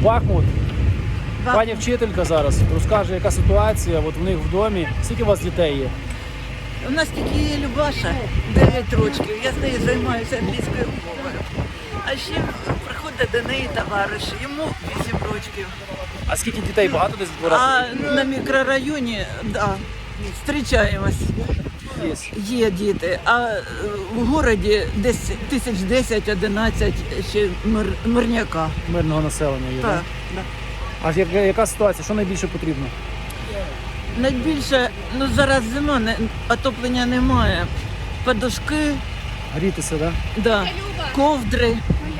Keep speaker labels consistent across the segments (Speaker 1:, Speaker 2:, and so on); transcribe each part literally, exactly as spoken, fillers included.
Speaker 1: Бахмут.
Speaker 2: Бахмут.
Speaker 1: Пані вчителька зараз розкаже, яка ситуація от в них в домі. Скільки у вас дітей є?
Speaker 2: У нас тільки є Любаша, дев'ять років, я з нею займаюся англійською мовою. А ще приходить до неї товариш, йому вісім років.
Speaker 1: А скільки дітей? Багато десь в дворах?
Speaker 2: А на мікрорайоні, да, зустрічаємось,
Speaker 1: Є.
Speaker 2: є діти. А е, в городі десь тисяч десять-одинадцять ще мир, мирняка.
Speaker 1: Мирного населення є,
Speaker 2: Так,
Speaker 1: так?
Speaker 2: да.
Speaker 1: А яка, яка ситуація? Що найбільше потрібно?
Speaker 2: Найбільше, ну зараз зима, не, отоплення немає. Подушки,
Speaker 1: Грітися, так?
Speaker 2: да, ковдри.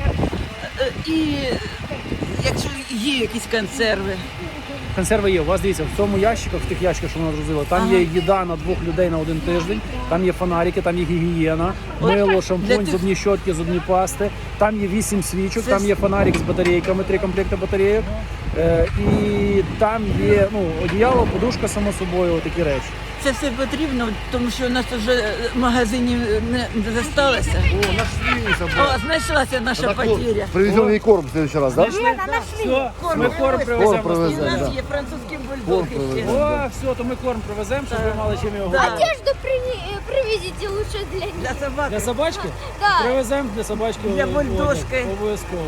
Speaker 2: Е, І якщо є якісь консерви.
Speaker 1: Консерви є. У вас, дивіться, в цьому ящиках, в тих ящиках, що вона розгрузила, там
Speaker 2: Ага.
Speaker 1: є їда на двох людей на один тиждень, там є фонарики, там є гігієна,
Speaker 2: От
Speaker 1: мило,
Speaker 2: для
Speaker 1: шампунь,
Speaker 2: тих-
Speaker 1: зубні щотки, зубні пасти, там є вісім свічок,
Speaker 2: Це
Speaker 1: там
Speaker 2: ж-
Speaker 1: є фонарик з батарейками, три комплекти батарейок, е, і там є ну, одіяло, подушка, само собою, такі речі.
Speaker 2: Це все потрібно, тому що у нас вже магазинів не залишилося.
Speaker 3: О, нашли собрали.
Speaker 2: О, знайшлася наша
Speaker 3: Так вот,
Speaker 2: потеря.
Speaker 3: привезем ей корм в следующий раз, да?
Speaker 1: Знайшли? Все, ми корм
Speaker 2: Ось.
Speaker 1: привеземо.
Speaker 3: Корм
Speaker 2: І
Speaker 3: привеземо.
Speaker 2: у нас
Speaker 3: да.
Speaker 2: є французький
Speaker 3: Корм
Speaker 2: бульдог ще.
Speaker 3: привеземо.
Speaker 1: О, все, то ми корм привеземо, щоб ви мали чим його
Speaker 2: Да.
Speaker 1: годувати.
Speaker 4: Одежду при- привезите лучше для них.
Speaker 2: Для собаки.
Speaker 1: Для собачки?
Speaker 4: Да.
Speaker 1: Привеземо для собачки.
Speaker 2: Для
Speaker 1: одяг.
Speaker 2: бульдожки.
Speaker 1: Обов'язково.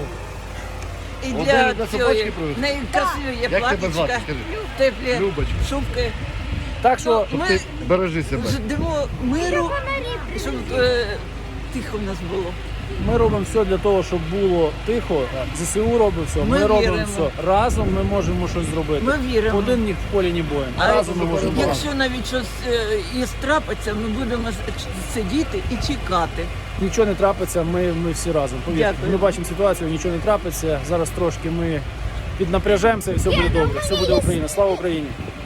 Speaker 2: І
Speaker 3: От
Speaker 2: для
Speaker 3: навіть для собачки
Speaker 2: цієї.
Speaker 3: привезли?
Speaker 2: В неї красиві є
Speaker 3: Як тебе звати,
Speaker 2: платічка,
Speaker 3: скажи?
Speaker 2: теплі
Speaker 3: Любочка.
Speaker 2: шубки.
Speaker 1: Так що
Speaker 2: Ну, ми
Speaker 3: Ти бережи себе.
Speaker 2: ждемо миру, щоб е, тихо в нас було.
Speaker 1: ми робимо все для того, щоб було тихо. ЗСУ робить все, ми,
Speaker 2: Ми
Speaker 1: робимо
Speaker 2: віримо.
Speaker 1: все. Разом ми можемо щось зробити.
Speaker 2: Ми віримо.
Speaker 1: Один ні в полі, ні боєм.
Speaker 2: А
Speaker 1: Разом ми можемо.
Speaker 2: якщо навіть щось е, і трапиться, ми будемо с- сидіти і чекати.
Speaker 1: Нічого не трапиться, ми, ми всі разом. Повірте,
Speaker 2: Дякую.
Speaker 1: ми бачимо ситуацію, нічого не трапиться. Зараз трошки ми піднапряжемося і все буде добре. Все буде Україна. Слава Україні!